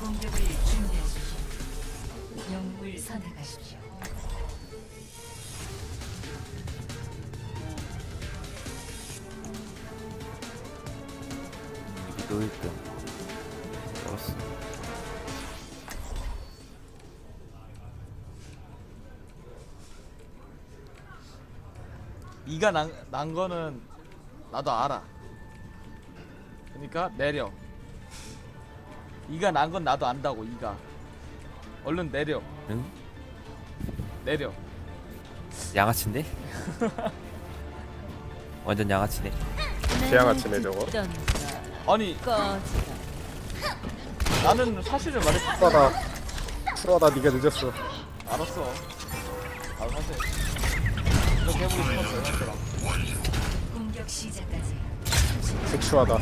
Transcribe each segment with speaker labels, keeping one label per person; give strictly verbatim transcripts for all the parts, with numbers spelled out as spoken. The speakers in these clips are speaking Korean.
Speaker 1: 공격을 준비하십시오. 영웅을 선택하십시오.
Speaker 2: 위도 일 등 잡았어.
Speaker 3: 이가 난, 난 거는 나도 알아. 그러니까 내려. 이가 난 건 나도 안다고. 이가 얼른 내려.
Speaker 2: 응?
Speaker 3: 내려.
Speaker 2: 양아치인데? 완전 양아치네.
Speaker 4: 개양아치네 저거.
Speaker 3: 아니 나는 사실을 말했어.
Speaker 4: 풀어다 풀어다 니가 늦었어.
Speaker 3: 알았어. 아 사실 이렇게 해보고 싶었어.
Speaker 1: 공격 시작까지
Speaker 4: 섹슈하다.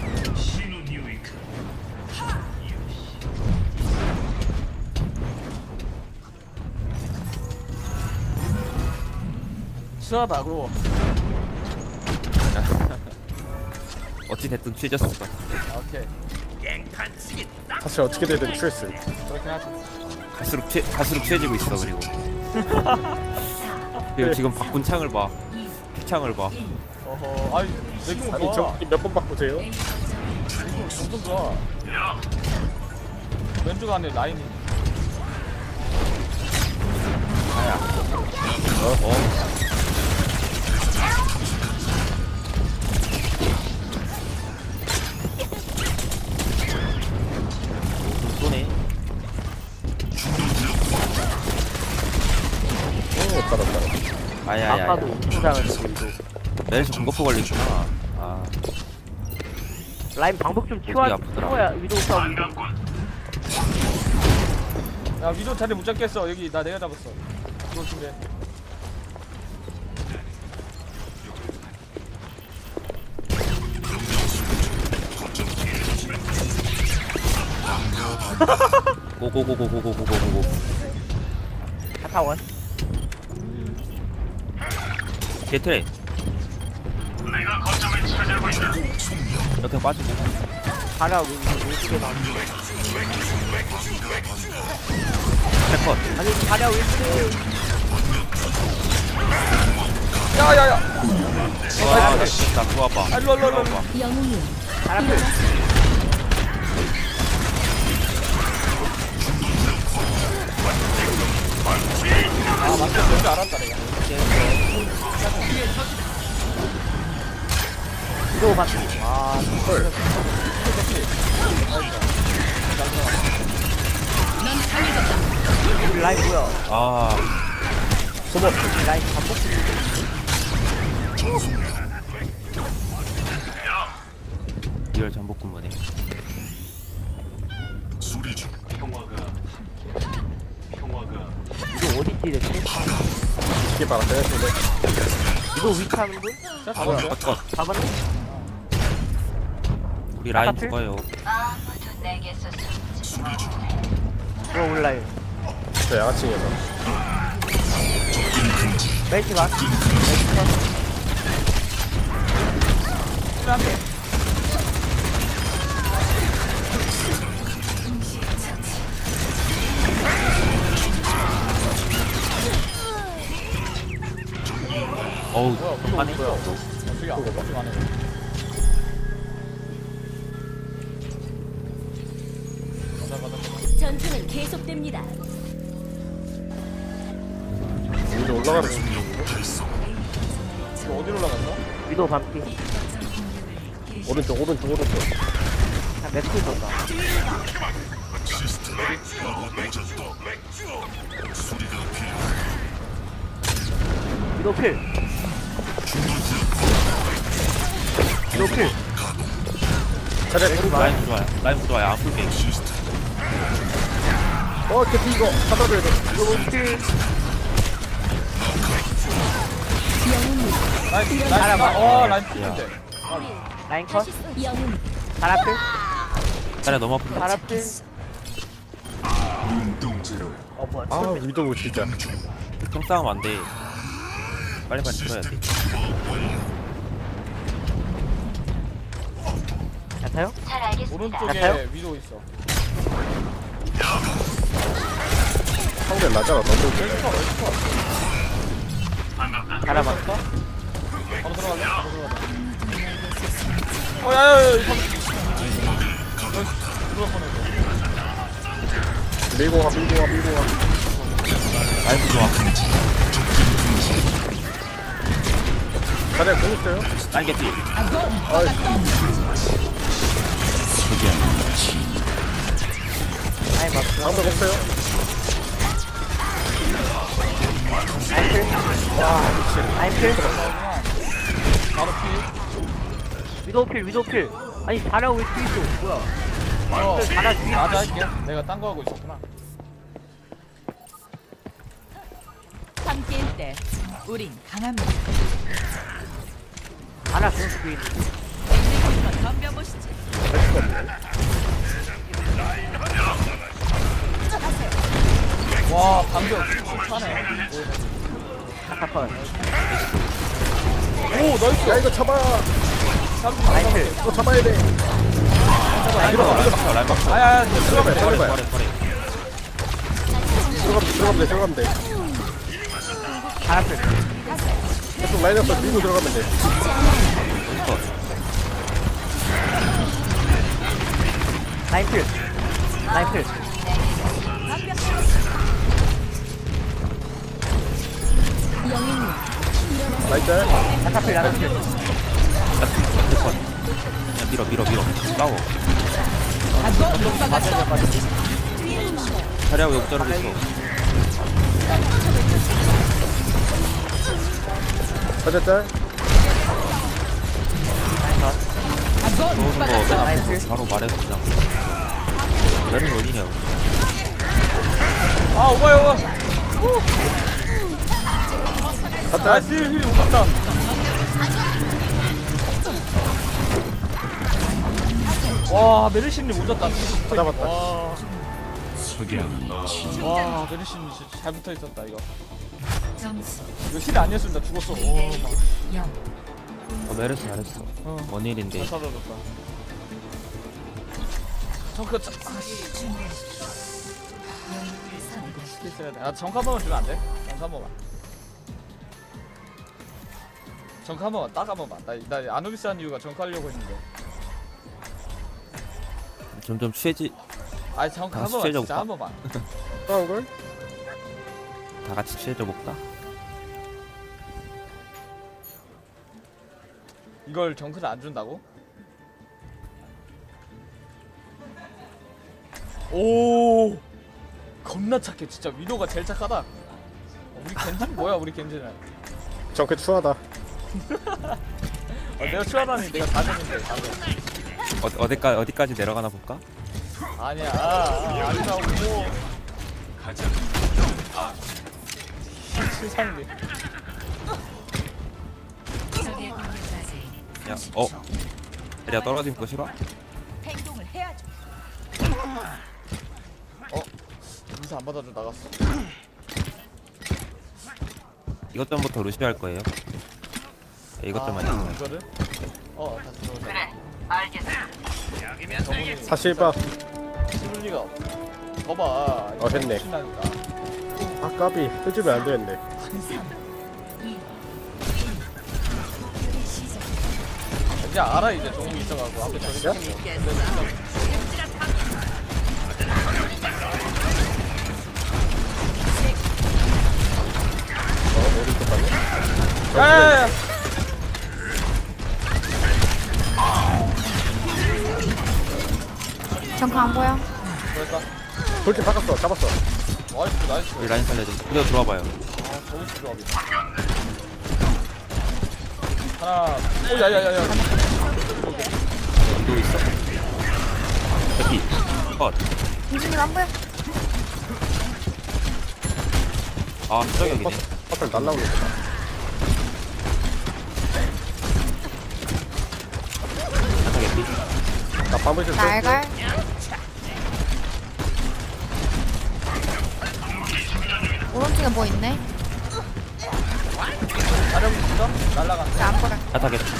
Speaker 3: 수하다고.
Speaker 2: 어찌 됐든 취해졌어.
Speaker 3: 오케이.
Speaker 4: 사실 어떻게 되든 취했어.
Speaker 3: 그렇게 하지.
Speaker 2: 갈수록 취 갈수록 취해지고 있어. 그리고 그리고 지금 바꾼 창을 봐. 픽창을 봐.
Speaker 3: 어허. 아니 내거
Speaker 4: 아니
Speaker 3: 봐.
Speaker 4: 저몇 번 바꾸세요?
Speaker 3: 이거 엄청 좋아. 왼쪽 안에 라인이.
Speaker 2: 아야. 어? 어? 쏘네.
Speaker 4: 오 따라 따라.
Speaker 2: 아야야야.
Speaker 5: 아까도 엄청 잘했어.
Speaker 2: 내일서 공거프 걸리구나. 아.
Speaker 5: 라인 방법 좀
Speaker 2: 목이
Speaker 5: 치워야
Speaker 2: 아프더라.
Speaker 5: 치워야 위도우 싸움.
Speaker 3: 야 위도 자리 못 잡겠어. 여기 나 내가 잡았어. 이거 준비해.
Speaker 2: 고고고고고고고고고.
Speaker 5: 카타원.
Speaker 2: 게트레. 이렇게 빠지고.
Speaker 5: 가라 왼쪽에 나.
Speaker 2: 컷.
Speaker 5: 아니 가라 왼쪽에.
Speaker 3: 야야야.
Speaker 2: 와, 나 진짜 좋아봐.
Speaker 3: 아 일로 일로 일로.
Speaker 1: 영웅이요.
Speaker 5: 가라 왼.
Speaker 3: 아 맞다. 뭔지 알았다 내가.
Speaker 5: 위도우 봤지. 와.
Speaker 4: 헐.
Speaker 5: 우리 라인 뭐야?
Speaker 2: 아,
Speaker 4: 소모.
Speaker 5: 우리 라인 반복.
Speaker 2: 리얼 전복 근무네.
Speaker 5: 위도우 어디 뛰랬지?
Speaker 4: 이게 바라 내가 근데
Speaker 5: 위도우 위치하는 분?
Speaker 3: 자 잡았어.
Speaker 2: 컷, 컷.
Speaker 5: 잡았네.
Speaker 2: 우리 라인
Speaker 5: 아까트?
Speaker 2: 죽어요.
Speaker 1: 아무도 내게서
Speaker 5: 뭐 올라요.
Speaker 4: 저 양아치에서
Speaker 5: 멜시 봐.
Speaker 3: 한대.
Speaker 2: 어우,
Speaker 3: 뭐야?
Speaker 2: 한판에.
Speaker 3: 뭐야? 어떻게 안 어떻게 안 해? 가자 가자.
Speaker 1: 전투는 계속됩니다.
Speaker 4: 위로 올라가는 중.
Speaker 3: 이거 어디로 올라갔어?
Speaker 5: 위도우 반피.
Speaker 4: 오른쪽 오른쪽 오른쪽.
Speaker 5: 한 맥쿨 던다. 위도우 필. 위도우 필.
Speaker 4: 자리
Speaker 2: 라인 좋아요. 라인 좋아요. 안 풀게.
Speaker 4: 어 개피 이거 받아줘야 돼.
Speaker 5: 위도우 필.
Speaker 3: 라인 라인 나. 어 라인 피는데.
Speaker 5: 라인 컷.
Speaker 1: 영웅.
Speaker 5: 가라 필.
Speaker 2: 자리 너무 아픈데.
Speaker 5: 가라 필. 어 뭐야?
Speaker 4: 아 위도우 진짜.
Speaker 2: 형 싸움 안 돼. 빨리빨리 들어야 돼.
Speaker 5: 잘 타요?
Speaker 1: 잘 알겠습니다.
Speaker 3: 오른쪽에
Speaker 5: 같아요?
Speaker 3: 위도 있어.
Speaker 4: 상대 나잖아 너무
Speaker 5: 알아봤어?
Speaker 3: 바로 들어갈래? 바로 들어가자. 어, 야야야, 이거 들어갈 뻔했어.
Speaker 4: 밀고 가 밀고 가 밀고 가
Speaker 2: 라이프 좋아.
Speaker 4: 자리야 공 있어요?
Speaker 2: 라인 개피.
Speaker 4: 아이씨
Speaker 5: 라인 봤어.
Speaker 4: 방금 없어요?
Speaker 5: 라인 필. 와, 라인 필.
Speaker 3: 바로 피.
Speaker 5: 위도우 필, 위도우 필. 아니, 잘하고 왜 뒤에 있어? 뭐야?
Speaker 3: 어,
Speaker 5: 잘하 뒤에
Speaker 3: 맞아 할게. 내가 딴 거 하고 있었구나.
Speaker 1: 함께일 때 우린 강합니다.
Speaker 5: 잘하 그런 뒤에 있는.
Speaker 1: 한번 덤벼보시지.
Speaker 3: 와, 방벽 sul하네.
Speaker 5: 잠깐만.
Speaker 3: 오, 나이스.
Speaker 4: 야 이거 잡아
Speaker 5: 라인 필.
Speaker 4: 이거 잡아야 돼
Speaker 2: 라인 막혀, 라인 막혀, 라인 막혀.
Speaker 3: 아야,
Speaker 4: 들어가면 돼
Speaker 2: 버려,
Speaker 4: 들어가면
Speaker 2: 버려, 버려.
Speaker 4: 돼 들어가면 돼 들어가면 돼
Speaker 5: 잘하 필.
Speaker 4: 계속 라인업을 밀고 들어가면 돼
Speaker 5: 라인 필. 라인 필.
Speaker 4: 나이스
Speaker 5: 잠깐 필, 잠깐 필.
Speaker 2: 그냥 밀어, 밀어, 밀어. 싸워. 자리하고 여기 자르고 있어.
Speaker 4: 자리야 짤
Speaker 2: 들어오는 거 맨 앞에서 바로 말해서 그냥. 나는 어디냐.
Speaker 3: 아, 오바야, 오바.
Speaker 4: 갔다
Speaker 3: 나이스, 힐 오갔다. 와, 메르시님 오졌다.
Speaker 4: 잡았다.
Speaker 3: 와, 와, 메르시님 진짜 잘 붙어 있었다 이거.
Speaker 1: 점수
Speaker 3: 이거 힐 아니었으면 나 죽었어. 오, 막.
Speaker 1: 영.
Speaker 2: 어, 메르스 잘했어.
Speaker 3: 어.
Speaker 2: 원일인데.
Speaker 3: 잘 살아줬다. 정크 짜. 아씨. 스킬 써야 돼. 아, 정크 한 번만 주면 안 돼? 정크 한 번만. 정크 한 번만, 딱 한 번만. 나, 나 아누비스 한 이유가 정크 하려고 했는데.
Speaker 2: 점점 취해지,
Speaker 3: 아니, 정크
Speaker 2: 아,
Speaker 3: 한 번만,
Speaker 2: 수혜자
Speaker 3: 진짜
Speaker 2: 오빠.
Speaker 3: 한 번만.
Speaker 4: 싸운 걸?
Speaker 2: 다 같이 취해져 볼까?
Speaker 3: 이걸 정크를 안 준다고? 오, 겁나 착해. 진짜 위도가 제일 착하다. 어, 우리 겐지는 뭐야? 우리 겐지는.
Speaker 4: 정크 추하다
Speaker 3: 어, 내가 추하다니 내가 다 줬는데 다 줬.
Speaker 2: 어, 어디까지, 어디까지 내려가나 볼까?
Speaker 3: 아니야, 아, 아니라고. 가자. 세상에.
Speaker 2: 야, 어? 자리야 떨어진 거 싫어?
Speaker 1: 행동을 해야죠.
Speaker 3: 어, 인사 안 받아줘 나갔어.
Speaker 2: 이것 전부터 루시 할 거예요. 야, 이것 좀만
Speaker 3: 아,
Speaker 2: 있으면.
Speaker 3: 이거를? 어, 다시 들어오자. 그래,
Speaker 4: 사실 봐
Speaker 3: 씹을 리가 없어. 거봐.
Speaker 4: 어, 했네.
Speaker 3: 신나니까.
Speaker 4: 아 까비 끄집으면 안 되는데
Speaker 3: 이제 알아 이제 종욱이 있어가지고 앞에 저기
Speaker 4: 야?
Speaker 3: 있어.
Speaker 4: 어 머리 똑같네
Speaker 3: 야야야.
Speaker 6: 정크 안 보여?
Speaker 3: 그랬다.
Speaker 4: 돌진 바꿨어 잡았어
Speaker 3: 나이스 나이스.
Speaker 2: 우리 라인 살려줘. 그대로 들어와봐요.
Speaker 3: 아, 저기 조합이다. 하나. 오, 야야야야.
Speaker 2: 연도 있어. 여기. 컷.
Speaker 6: 이준님 안 보여?
Speaker 2: 아, 수정역이네.
Speaker 4: 퍼플 날라오는 거다
Speaker 2: 한타 개피.
Speaker 4: 나 밤을 좀
Speaker 6: 날갈? 오른쪽에 뭐 있네?
Speaker 3: 자령 있어? 날라간다.
Speaker 6: 안 보여.
Speaker 2: 한타 개피.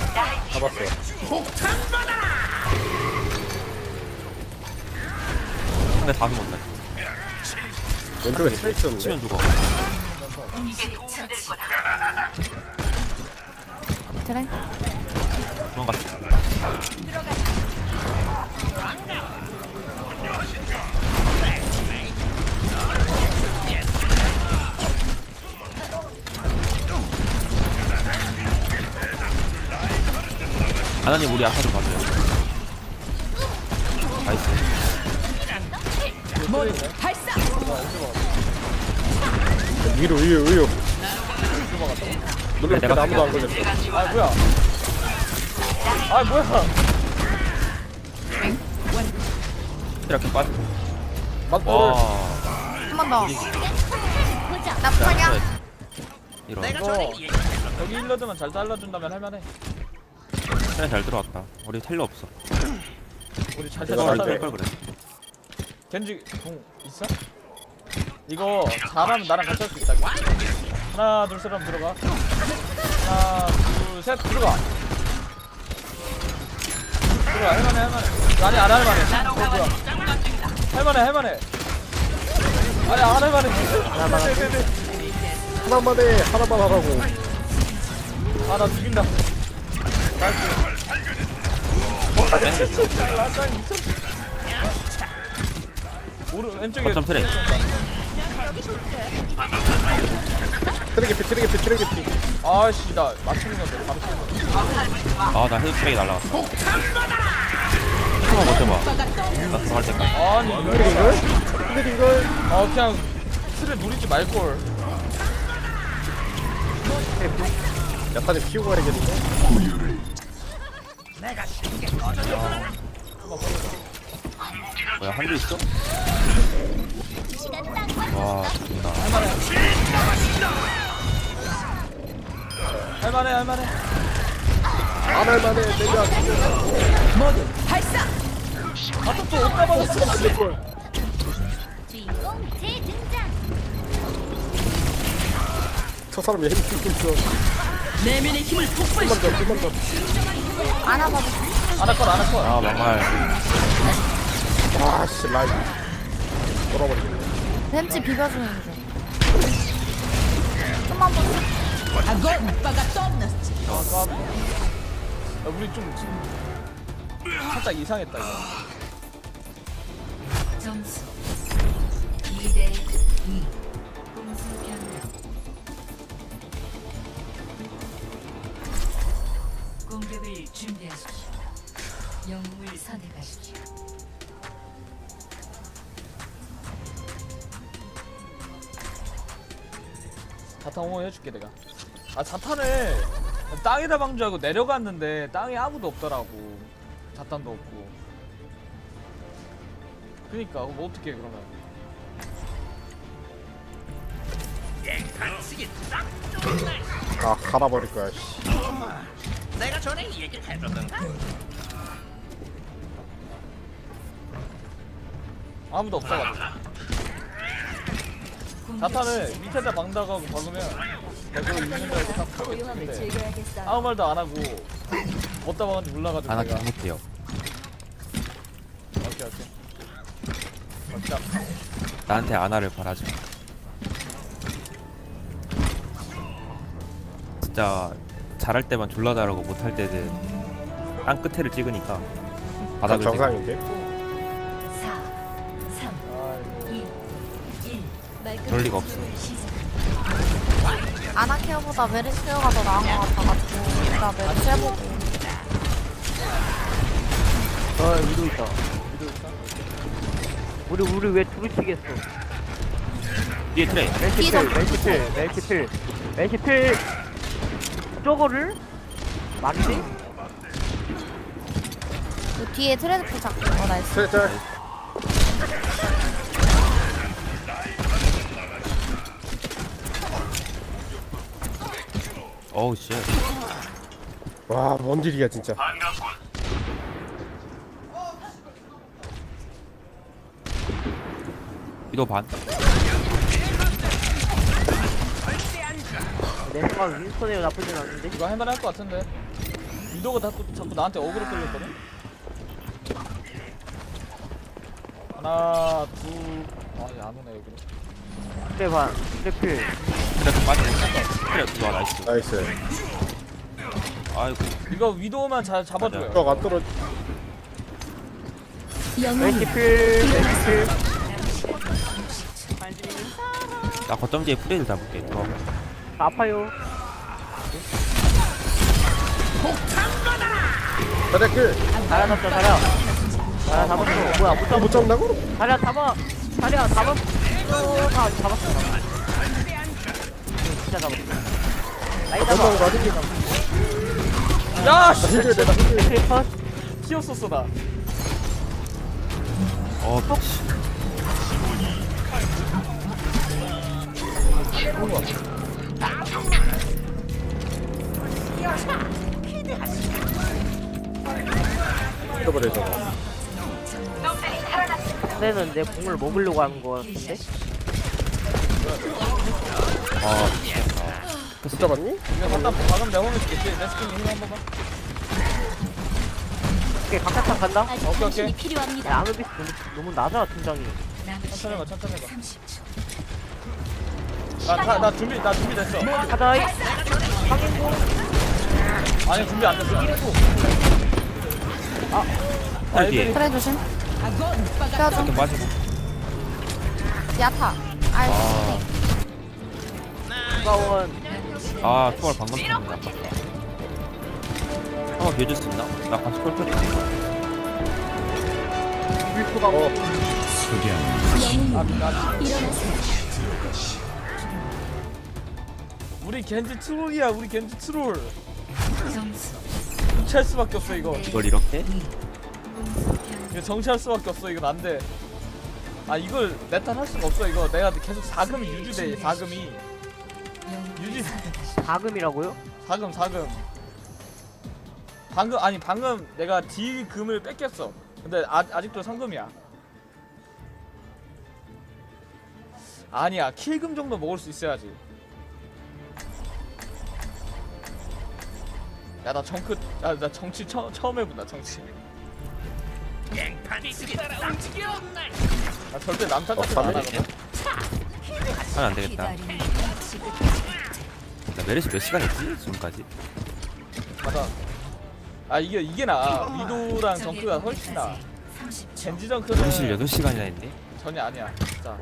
Speaker 4: 잡았어
Speaker 2: 상대 다 죽었다.
Speaker 4: 왼쪽에 스페 있었는데.
Speaker 2: 치면 죽어.
Speaker 6: 그래.
Speaker 2: 도망갔어. 하나님 우리 아까 좀 봐줘요. 나이스.
Speaker 1: 모두 발사.
Speaker 4: 위로 위로 위로. 놀랍게
Speaker 2: 내가
Speaker 4: 아무도 안 걸렸어.
Speaker 3: 아 뭐야? 아 뭐야?
Speaker 2: 이렇게 빠져.
Speaker 4: 맞돌.
Speaker 2: 와.
Speaker 6: 한 번 더. 나쁘냐?
Speaker 2: 이런.
Speaker 3: 이거 여기 힐러드만 잘 잘라준다면 할만해.
Speaker 2: 그냥 잘 들어왔다. 우리 텔러 없어.
Speaker 3: 우리 잘
Speaker 4: 내가
Speaker 2: 걸
Speaker 3: 잘라준다면.
Speaker 2: 걸 그래.
Speaker 3: 겐지 공 있어? 이거 잘하면 나랑 같이 할 수 있다. 하나 둘 셋 하면 들어가. 하나 둘 셋 들어가. 들어가 할만해 할만해. 아니 안 할만해. 어, 뭐야? 할만해 할만해. 아니 안 할만해. 하나만
Speaker 4: 하나만 해. 하나만 하라고.
Speaker 3: 아나 죽인다. 나이스. 오른 왼쪽에
Speaker 2: 어쩜 트레.
Speaker 4: 트랙이 피 트랙이 피 트랙이 피.
Speaker 3: 아씨 나 맞추는 건데 바로 치는
Speaker 2: 아나 헤드 트랙이 날라갔다. 한번 버텨봐. 나 들어갈 때까지.
Speaker 3: 아니
Speaker 4: 트랙인
Speaker 3: 이거
Speaker 4: 걸? 트랙인 걸?
Speaker 3: 아 그냥 틀을 누리지 말걸.
Speaker 4: 야타님 키우고 가야겠는데.
Speaker 2: 뭐야 한조 있어? 와 죽인다.
Speaker 3: 할만해 할만해.
Speaker 4: 안 할만해. 내가
Speaker 1: 모두 발사.
Speaker 3: 아또 또 옷다 받았어.
Speaker 7: 주인공 재등장.
Speaker 4: 저 사람이 힘 좀 줘.
Speaker 1: 내면의 힘을 폭발시켜.
Speaker 4: 힘만 더 힘만 더.
Speaker 6: 안아봐도.
Speaker 3: 아나컷 아나컷.
Speaker 2: 아 막말.
Speaker 4: 아씨 라인. 돌아버리겠네.
Speaker 6: 벤치 비벼주는데. 좀만 더.
Speaker 1: 아고 오빠가 떠났지.
Speaker 3: 아 까비. 야 우리 좀 지금 살짝 이상했다 이거.
Speaker 1: 점수 이 대 이. 공수 변경. 공격을 준비하십시오. 영웅을 선택하십시오.
Speaker 3: 자탄 응원해줄게 내가. 아 자탄을 땅에다 방주하고 내려갔는데 땅에 아무도 없더라고. 자탄도 없고. 그니까 뭐 어떻게 해 그러면.
Speaker 4: 아 갈아버릴 거야. 씨.
Speaker 3: 아무도 없어가지고. 자탄을 밑에다 방다가고 박으면 내가 그걸 있는 줄 알고 딱 하고 있는데 아무 말도 안 하고 어디다 박은지 몰라가지고
Speaker 2: 아나
Speaker 3: 내가.
Speaker 2: 못해요.
Speaker 3: 오케이 오케이. 어, 진짜
Speaker 2: 나한테 아나를 바라지 마. 진짜 잘할 때만 졸라 잘하고 못할 때는 땅 끝에를 찍으니까
Speaker 4: 아,
Speaker 2: 바닥을 찍어.
Speaker 4: 정상인데.
Speaker 1: 사, 삼,
Speaker 3: 아이고.
Speaker 1: 이, 일.
Speaker 2: 그럴 리가 없어.
Speaker 6: 아나 케어보다 메르시 케어가 더 나은 것 같아가지고 나 메르시 해보고.
Speaker 5: 아 위도 있다. 우리 우리 왜 두루치겠어?
Speaker 2: 뒤에 트레이.
Speaker 5: 멜시필 멜시필 멜시필 멜시필 저거를 맞지?
Speaker 6: 그 뒤에 트레드풀 잡고. 어 나이스.
Speaker 4: 트랙 짤.
Speaker 2: 어우 씨.
Speaker 4: 와, 뭔 일이야 진짜.
Speaker 2: 위도 반.
Speaker 5: 내 생각 윈스턴이 나쁘진 않은데.
Speaker 3: 이거 할만 할 것 같은데. 위도가 자꾸, 자꾸 나한테 어그로 끌렸거든? 하나 둘 아니 안 오네 여기로.
Speaker 5: 그래 봐. 그래 필.
Speaker 2: 그래 좀 빠지네. 그래 좋아 나이스.
Speaker 4: 나이스.
Speaker 2: 아이고
Speaker 3: 이거 위도우만 잘 잡아줘요.
Speaker 4: 벽 안 떨어.
Speaker 5: 메시 필. 메시 필.
Speaker 2: 나 거점 뒤에 프레이를 잡을게. 좋아.
Speaker 5: 아파요.
Speaker 4: 자리야 킬.
Speaker 5: 자리야 잡자 자리야. 자리야 잡았어. 뭐야 못
Speaker 4: 아,
Speaker 5: 잡았어.
Speaker 4: 못 잡는다고?
Speaker 5: 자리야 잡아. 자리야 잡았어. 아 잡았어. 이거 진짜 잡았어. 나이 잡아.
Speaker 4: 넘어가 가지고.
Speaker 3: 야
Speaker 4: 나
Speaker 3: 씨.
Speaker 4: 힘들어 내가 힘들어.
Speaker 5: 메시 컷.
Speaker 3: 튀었었어 나.
Speaker 2: 어 씨.
Speaker 4: 잃어버려 저거.
Speaker 5: 상대는 내 공을 먹으려고 하는 거 같은데?
Speaker 2: 아
Speaker 4: 못 잡았니?
Speaker 3: 이거 갖다 박으면 내가 홈을 주겠지. 내 스킨 힘 한번 봐.
Speaker 5: 오케이 각각상 간다?
Speaker 1: 아직
Speaker 3: 오케이,
Speaker 1: 당신이
Speaker 3: 오케이.
Speaker 1: 필요합니다.
Speaker 5: 야 아누비스 너무, 너무 낮아 팀장이.
Speaker 1: 남은
Speaker 3: 천천히
Speaker 1: 시간
Speaker 3: 가 천천히 가.
Speaker 1: 삼십 초.
Speaker 3: 나, 나, 나 준비 나 준비됐어.
Speaker 5: 가자이. 확인고.
Speaker 3: 아니 준비 안 됐어.
Speaker 2: 헐 뒤에
Speaker 6: 그래 조심. 껴줘.
Speaker 2: 이렇게 빠지고.
Speaker 6: 야타. 아이.
Speaker 2: 아,
Speaker 5: 가원.
Speaker 2: 아 초월 방금 쳤는데 아깝다. 한번 비워줄 수 있나? 나 같이 콜 쳤지.
Speaker 5: 윌프가
Speaker 4: 어.
Speaker 3: 아, 나,
Speaker 1: 일어나세요.
Speaker 3: 우리 겐지 트롤이야. 우리 겐지 트롤.
Speaker 1: 점수
Speaker 3: 정치할 수밖에 없어 이거.
Speaker 2: 이걸 이렇게?
Speaker 3: 이거 정치할 수밖에 없어. 이건 안 돼. 아 이걸 내 탓 할 수가 없어. 이거 내가 계속 사금이 유지돼. 사금이 유지.
Speaker 5: 다금이라고요?
Speaker 3: 사금 사금. 방금 아니 방금 내가 D 금을 뺏겼어. 근데 아, 아직도 상금이야. 아니야 킬금 정도 먹을 수 있어야지. 야 나 정크 야나 정치 처, 처음 해본다 정치. 나 절대 남탓 같은 거안
Speaker 4: 어,
Speaker 3: 하거든.
Speaker 2: 하면 안 되겠다.
Speaker 1: 기다림이 마치 끝.
Speaker 2: 나 메르시 몇 시간 했지? 지금까지?
Speaker 3: 맞아. 아 이게 이게 나 위도랑 정크가 훨씬 나.
Speaker 1: 삼십 초.
Speaker 3: 젠지
Speaker 2: 메르시를
Speaker 3: 정크는
Speaker 2: 여덟 시간이나 했네?
Speaker 3: 전혀 아니야. 진짜.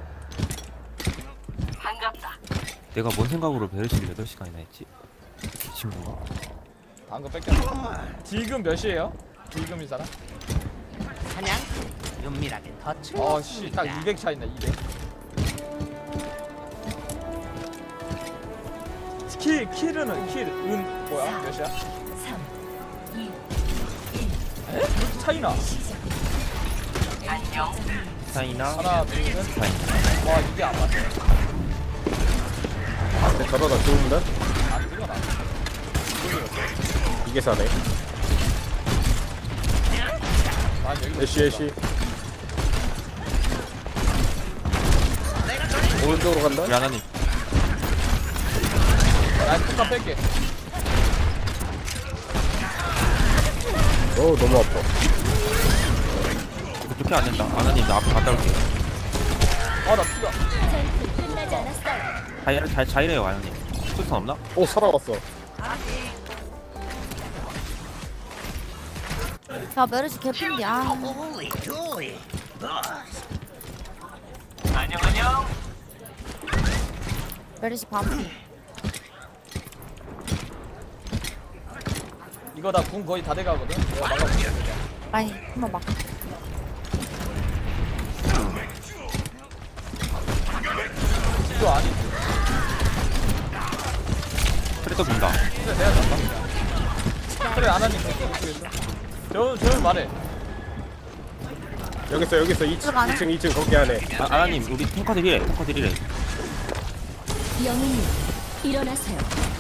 Speaker 2: 내가 뭔 생각으로 메르시를 여덟 시간이나 했지? 이 친구가?
Speaker 3: 방금 뺏겼어. 딜금 몇이에요? 딜금이 사람?
Speaker 5: 사냥. 은밀하게 더
Speaker 3: 어씨 딱 이백 차이나 이백. 킬 킬은 킬은 뭐야 몇이야?
Speaker 1: 삼, 이,
Speaker 3: 에? 이렇게 차이나?
Speaker 2: 사이나?
Speaker 3: 하나 둘셋.
Speaker 2: 사이나.
Speaker 3: 와 이게 안 맞네.
Speaker 4: 근데 저러다 좋은데?
Speaker 3: 안 들어가.
Speaker 4: 이게 사네.
Speaker 3: 아 여기
Speaker 4: 애쉬 애쉬. 오른쪽으로 간다?
Speaker 2: 우리 하나님
Speaker 3: 나 폭탄 뺄게.
Speaker 4: 어 너무 아파.
Speaker 2: 이거 좋게 안 된다. 하나님 나 앞에 갔다 올게.
Speaker 3: 아나 피가.
Speaker 1: 끝나지 않았어요.
Speaker 2: 자이래, 자, 자이래요 하나님. 수선 없나?
Speaker 4: 오 살아왔어.
Speaker 6: 야 메르시 개핀디. 아. 메르시 반피.
Speaker 3: 이거 나 궁 거의 다 돼가거든. 내가 막아볼게.
Speaker 6: 아니 한번 막.
Speaker 3: 이거 아니.
Speaker 2: 그래도 본다.
Speaker 3: 근데 내가 잡다. 그래 안 하니 그랬어. 저 저는 말해.
Speaker 4: 여기 있어 여기 있어 이 층
Speaker 6: 들어가네.
Speaker 4: 이 층 이 층 거기 안에.
Speaker 2: 아, 하나님 우리 탱커들 이래. 탱커들 이래.
Speaker 1: 영웅님 일어나세요.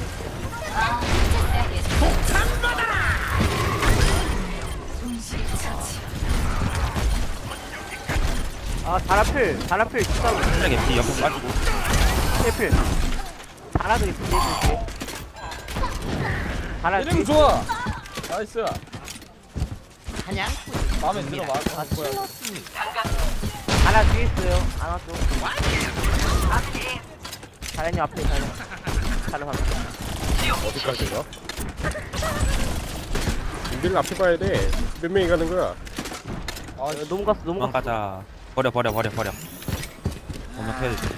Speaker 5: 아 자라필. 자라필 진짜로.
Speaker 2: 트랙 엠피 옆에 빠지고.
Speaker 5: 필. 자라도 있어 뒤에. 자라.
Speaker 3: 이름 좋아. 나이스.
Speaker 5: 사냥.
Speaker 3: 마음에 들어 마.
Speaker 5: 아
Speaker 3: 뭐야?
Speaker 5: 찔렀으니. 나왔죠. 자연이 앞에 자연. 자연 앞에.
Speaker 4: 어디까지가? 우리를 앞에 봐야 돼. 몇 명이 가는 거야?
Speaker 5: 아, 너무 갔어, 너무 갔어.
Speaker 2: 도망가자. 버려 버려 버려 버려. 엄마 태워야 돼.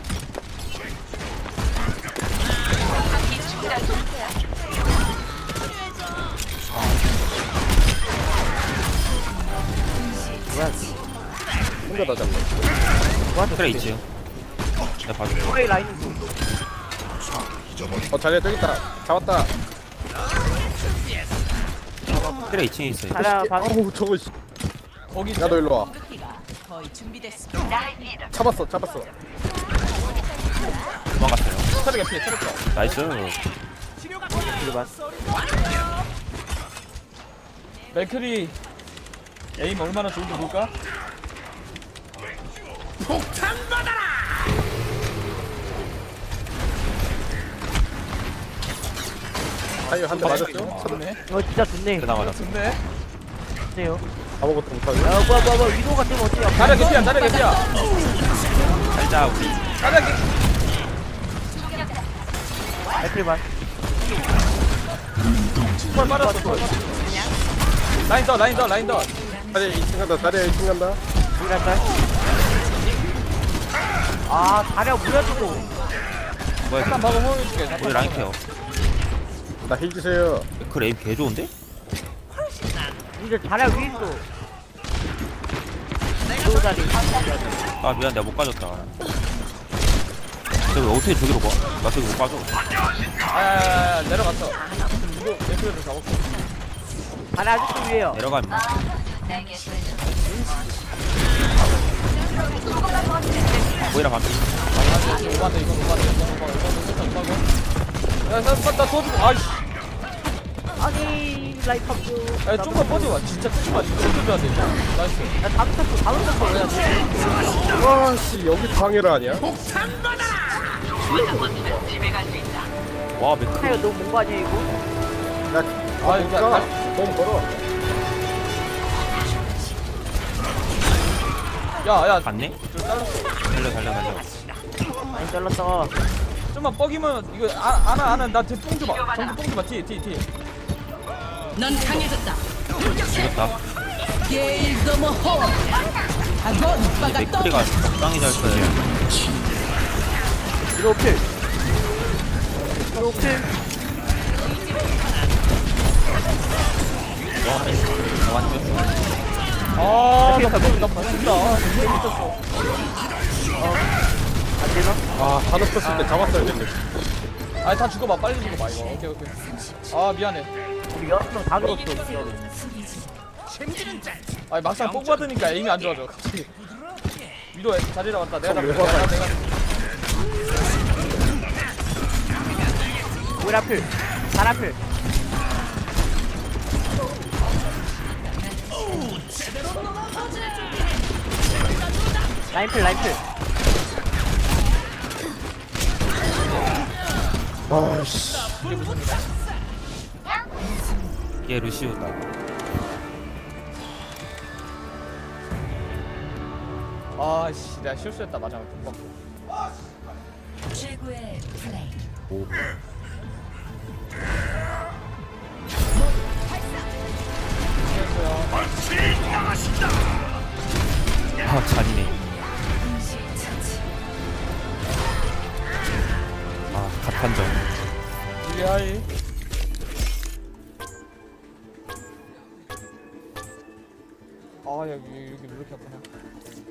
Speaker 4: 혼자 다 잡네.
Speaker 2: 그래 있지. 내가 봐줄게.
Speaker 5: 프레이 라인 있어.
Speaker 4: 어 자리야 저기 있다. 잡았다.
Speaker 2: 그래 이 층에 있어요.
Speaker 5: 자연 반.
Speaker 4: 어우 저거 씨.
Speaker 3: 거기
Speaker 4: 야너 일로 와.
Speaker 1: 거의 준비됐습니다.
Speaker 4: 잡았어 잡았어.
Speaker 2: 도망갔어요.
Speaker 3: 차례 개피 차례 거.
Speaker 2: 나이스.
Speaker 3: 맥크리 에임 얼마나 좋은지 볼까?
Speaker 4: 타이어 한 대 맞았죠?
Speaker 3: 좋네.
Speaker 5: 이거 진짜 좋네.
Speaker 2: 그나마 나.
Speaker 3: 좋네.
Speaker 5: 좋네요.
Speaker 4: 아무것도 못하네.
Speaker 5: 야, 뭐야, 뭐야, 뭐야. 위도가 뜨면 어때요?
Speaker 3: 차례 개피야 차례 개피야.
Speaker 2: 살자 우리.
Speaker 3: 차례 개.
Speaker 5: 애플 반.
Speaker 3: 펄 빨았어 펄. 라인 더 라인 더 라인 더.
Speaker 4: 자리야 이 층 간다. 자리야 이 층 간다.
Speaker 5: 우리랑 짤. 아, 자리가 무려주고.
Speaker 2: 뭐야?
Speaker 3: 잠깐 방금 호응해줄게.
Speaker 2: 우리 라인 케어.
Speaker 4: 나 힐 주세요.
Speaker 2: 그 레임 개 좋은데?
Speaker 5: 이제 자리가 위에 있어. 위도 자리.
Speaker 2: 아 미안 내가 못 가졌다. 근데 왜 어떻게 저기로 가? 나 저기 못 가져.
Speaker 3: 아야야야 내려갔어. 이거 맥크리를 잡았어.
Speaker 5: 자리 아직도 위에요.
Speaker 2: 내려가면. 보이라 반피.
Speaker 3: 오반데 이거 오반데 이거 오반데 이거 오반데. 야나나 도와주고 아이씨.
Speaker 5: 아니, 라이프 합주.
Speaker 3: 야 좀만 뻗어봐. 진짜 끝이 마. 이거 어떻게 해야 돼? 나이스.
Speaker 5: 야, 다 붙었어, 다 붙었어. 야,
Speaker 4: 와씨 여기 방해를 하냐?
Speaker 2: 와 맥크.
Speaker 5: 타이어 너무 뭔거 아니야, 이거?
Speaker 4: 야,
Speaker 3: 아,
Speaker 4: 아
Speaker 3: 이거
Speaker 4: 이거
Speaker 3: 나-
Speaker 4: 너무 멀어.
Speaker 3: 야야
Speaker 2: 갔네?
Speaker 3: 좀 잘랐어.
Speaker 2: 달려 달려 달려.
Speaker 5: 많이 잘랐어.
Speaker 3: 좀만 뻐기면 이거 아, 안아 안아 나 뒤에 뽕 줘봐. 정수 뽕 줘봐. 뒤에 뒤에 뒤에.
Speaker 1: 넌 강해졌다.
Speaker 2: 죽였다.
Speaker 1: 게일 너머 호. 아건
Speaker 2: 이 맥크리가 적당히 잘 써야 돼.
Speaker 5: 위도 필. 위도 필.
Speaker 2: 와 죽였어.
Speaker 3: 아, 나 나 봤다. 재밌었어.
Speaker 5: 안 되나?
Speaker 4: 아다 높였을 때 잡았어야 됐네.
Speaker 3: 아니 다 죽어봐. 빨리 죽어봐 이거. 오케이 오케이. 아 미안해.
Speaker 5: 우리 여섯 명다 죽었어.
Speaker 3: 아니 막상 뽕 받으니까 에임이 안 좋아져. 갑자기. 위로 자리라 왔다. 내가 잡을게.
Speaker 4: 왜
Speaker 3: 내가
Speaker 4: 화가
Speaker 3: 내가.
Speaker 5: 우리 앞필. 잘 앞필. 라인필, 라인필.
Speaker 4: 아씨.
Speaker 2: 얘 루시오다.
Speaker 3: 아씨 내가 실수했다. 마지막에 뽕 받고.
Speaker 1: 최고의 플레이.
Speaker 2: 오. 아 잔이네. 아 갓한정.
Speaker 3: 리아이. 아 여기 여기 왜 이렇게 아프냐.